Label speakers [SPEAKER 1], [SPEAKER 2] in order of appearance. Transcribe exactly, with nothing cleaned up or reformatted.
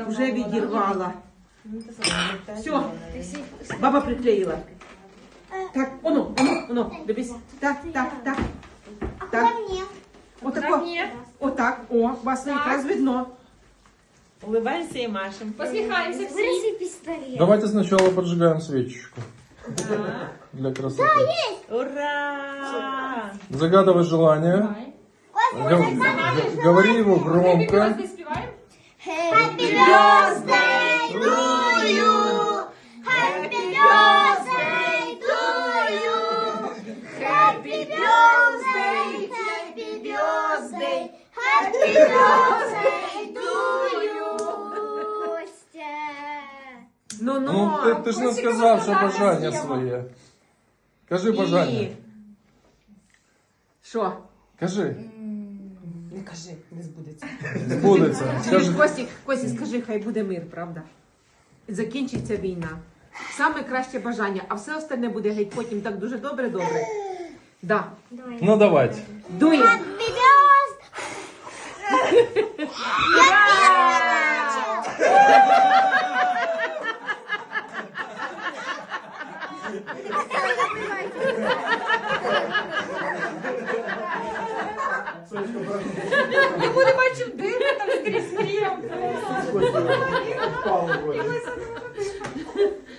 [SPEAKER 1] Вже відірвала. Все, баба приклеїла. Так, оно, оно, оно, дивись. Так, так, так. Так. Отако. Отак, о, вас якраз видно. Улыбаемся и машем.
[SPEAKER 2] Посмехаемся все.
[SPEAKER 3] Вырежи пистолет.
[SPEAKER 4] Давайте сначала поджигаем свечечку. Для красоты.
[SPEAKER 1] Ура!
[SPEAKER 4] Загадывай желание. Гов- г- Говори его громко.
[SPEAKER 2] Happy спеваем?
[SPEAKER 3] Happy birthday to you. Happy birthday to you. Happy birthday, happy birthday, happy birthday to you. Костя.
[SPEAKER 1] Ну-ну.
[SPEAKER 4] Ну, ты, ты же не сказал, что бажання своє. Кажи бажання.
[SPEAKER 1] І... Що?
[SPEAKER 4] Кажи.
[SPEAKER 1] Не кажи, не збудеться.
[SPEAKER 4] Збудеться. Скажи.
[SPEAKER 1] Костік, Костік, скажи, хай буде мир, правда? Закінчиться війна. Саме краще бажання, а все остальне буде геть потім так дуже добре-добре. Да.
[SPEAKER 4] Ну давайте.
[SPEAKER 1] Дує.
[SPEAKER 3] Happy birthday.
[SPEAKER 2] Йому не бачив дими там скрізь крім.